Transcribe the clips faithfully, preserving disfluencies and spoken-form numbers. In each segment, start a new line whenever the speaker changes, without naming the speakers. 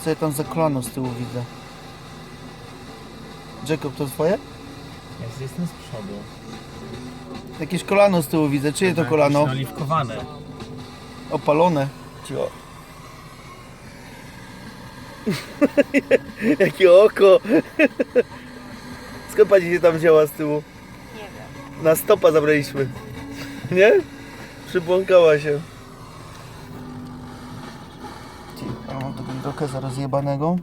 Co ja tam za kolano z tyłu widzę? Jacob, to twoje?
Ja jestem z przodu.
Jakieś kolano z tyłu widzę. Czyje to kolano?
Oliwkowane.
Opalone. Cio. Jakie oko! Skąd pani się tam wzięła z tyłu?
Nie wiem.
Na stopa zabraliśmy. Nie? Przybłąkała się. Ci, ja mam tego drokeza rozjebanego.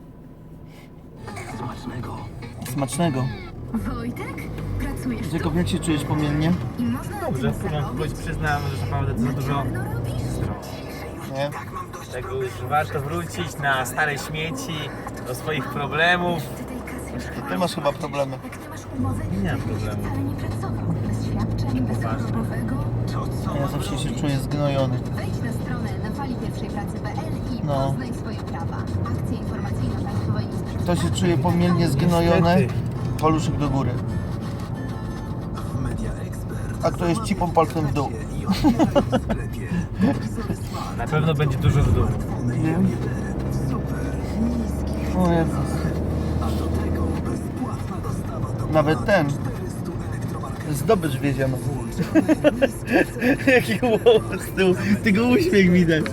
Smacznego.
Smacznego.
Wojtek? Pracujesz
Jacob, jak się czujesz pomiennie?
i można na
Dobrze,
tym
w porządku, choć
zarobić?
przyznam, że naprawdę to za dużo.
No robisz?
Nie?
Tego już warto wrócić na stare śmieci, do swoich problemów.
Ty tej kasy już
Ty masz chyba problemy.
Jak ty masz umowę,
Nie mam
to byś
problemu.
wcale nie pracował. Bez świadczeń, bez
Poważnie.
chorobowego.
Ja zawsze się czuję zgnojony.
Wejdź na stronę na fali pierwszej pracy kropka p l i
No.
poznaj swoje prawa. Akcja informacyjna Państwowej Inspekcji.
Kto się czuje pomiennie zgnojony?
Niestety.
Paluszek do góry.
Media Expert.
A kto jest cipą palcem w dół?
I otwieraj w sklepie.
Na pewno będzie dużo w dół.
Nie? O Jezus.
A do tego bezpłatna dostawa do
Nawet ten.
czterystu elektromarketów.
Zdobycz wiedziemy. Jaki głos z tyłu. Tego uśmiech widać.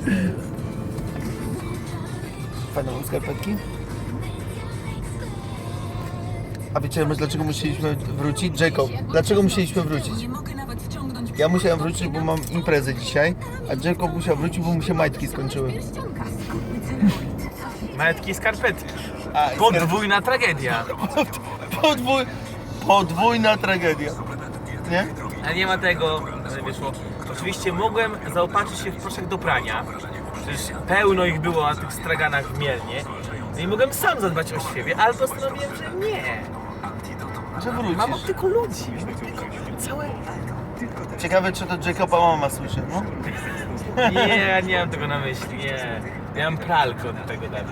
Fajne mam skarpetki. A wiecie, dlaczego musieliśmy wrócić? Jacob, dlaczego musieliśmy wrócić? Ja musiałem wrócić, bo mam imprezę dzisiaj, a Jacob musiał wrócić, bo mu się majtki skończyły.
Majtki i skarpetki.
A, i
Podwójna tragedia.
Podwój... Podwójna tragedia. Nie?
A nie ma tego, że wyszło. Oczywiście mogłem zaopatrzyć się w proszek do prania. Przecież pełno ich było na tych straganach w Mielnie. No i mogłem sam zadbać o siebie, ale postanowiłem, że nie.
Że
Mam
wrócisz.
tylko ludzi. Całe...
Ciekawe, czy to Jacoba mama słyszy, no?
Nie, ja nie mam tego na myśli, nie. Ja mam pralkę od tego dać.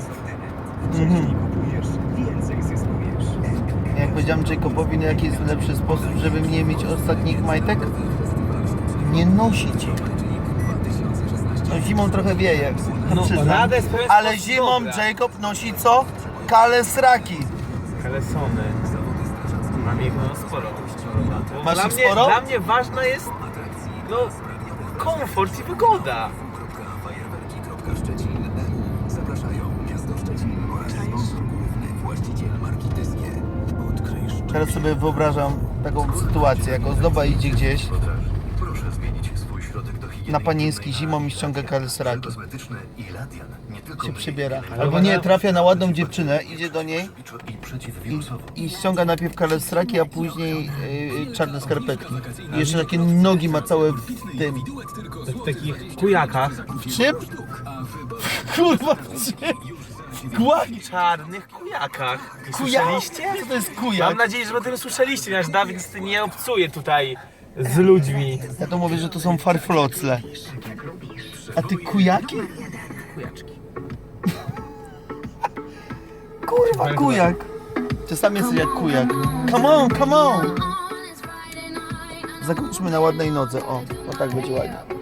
Jak powiedziałem Jacobowi, no jaki jest lepszy sposób, żeby nie mieć ostatnich majtek? Nie nosić ich. No zimą trochę wieje,
No,
przyznam.
radę z pewien
Ale
sposób
zimą
dobra.
Jacob nosi co? Kalesraki.
Kalesony. Mam ich no sporo. Bo
Masz
dla
ich
mnie,
sporo?
Dla mnie ważna jest no komfort i wygoda.
Szczecin E U zapraszają miasto Szczecin oraz sponsor główny, właściciel marki Tyskie. Odkryj
Teraz sobie wyobrażam taką sytuację, jak ozdoba idzie gdzieś
Proszę zmienić swój środek do higieny.
na panieński zimą i ściąga kalesraki.
Kosmetyczne i Ladian nie tylko
Się
myje
przybiera.
Ale
Albo
ona-
nie, trafia na ładną dziewczynę, idzie do niej
i przeciwwirusowo.
i, i ściąga najpierw kalesraki, a później yy, czarne skarpetki. I jeszcze takie nogi ma całe w tym.
W takich kujakach.
W czym? Kurwa, w czym? Kujak?
Czarnych kujakach. Nie
Kujak?
słyszeliście?
Co to jest
Mam
kujak?
nadzieję, że o tym słyszeliście, nasz Dawid niestety nie obcuje tutaj z ludźmi.
Ja to mówię, że to są farflocle. A ty kujaki?
Kujaczki.
Kurwa, kujak. Czasami jesteś jak kujak. Come on, come on! Zakończmy na ładnej nodze. O, o tak będzie ładnie.